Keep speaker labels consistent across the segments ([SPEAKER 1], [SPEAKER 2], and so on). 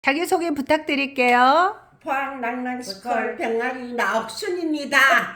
[SPEAKER 1] 자기소개 부탁드릴게요.
[SPEAKER 2] 포항낭낭스쿨 병아리 나옥순입니다.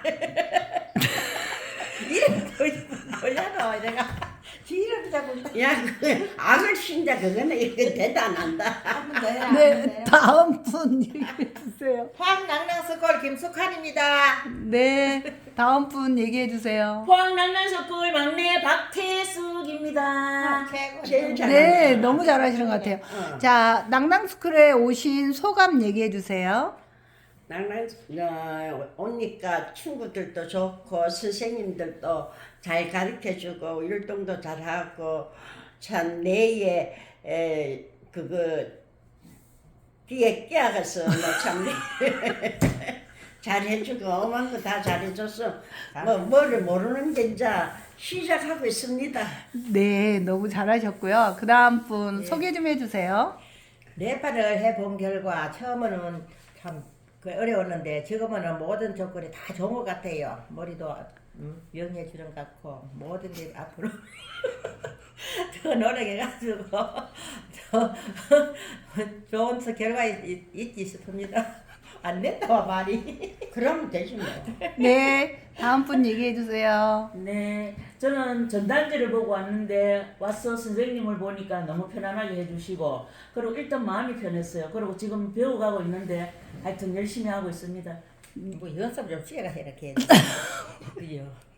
[SPEAKER 3] 이름 뭐냐노 내가 이름 자꾸
[SPEAKER 2] 야, 악을 신자 그거는 이거 대단한다.
[SPEAKER 3] 한번 더 해라.
[SPEAKER 1] 네, 다음 분 얘기해 주세요.
[SPEAKER 3] 포항낭낭스쿨 김숙환입니다.
[SPEAKER 1] 네, 다음 분 얘기해 주세요.
[SPEAKER 4] 포항낭낭스쿨 막내 박태숙입니다.
[SPEAKER 3] 최고.
[SPEAKER 2] 제일 잘한다.
[SPEAKER 1] 네, 너무 잘하시는 것 같아요. 자, 낭낭스쿨에 오신 소감 얘기해 주세요.
[SPEAKER 2] 낭낭 오니까 친구들도 좋고 선생님들도 잘 가르쳐주고 율동도 잘하고 참 내에 그거 뒤에 끼어가서 참 잘해주고 엄한 거 다 잘해줘서 뭐를 모르는 게 이제 시작하고 있습니다.
[SPEAKER 1] 네, 너무 잘하셨고요. 그 다음 분 소개 좀 해주세요.
[SPEAKER 3] 네팔을 해본 결과 처음에는 참 어려웠는데 지금은 모든 조건이 다 좋은 것 같아요. 머리도 영해 주는 것 같고 모든 게 앞으로 더 노력해가지고 더 좋은 결과 있지 싶습니다. 안 됐다 말이.
[SPEAKER 2] 그러면 되지 뭐.
[SPEAKER 1] 네, 다음 분 얘기해 주세요.
[SPEAKER 4] 네, 저는 전단지를 보고 왔는데 와서 선생님을 보니까 너무 편안하게 해주시고 그리고 일단 마음이 편했어요. 그리고 지금 배워가고 있는데 하여튼 열심히 하고 있습니다.
[SPEAKER 3] 뭐 연습 좀 시켜가 이렇게. 그죠.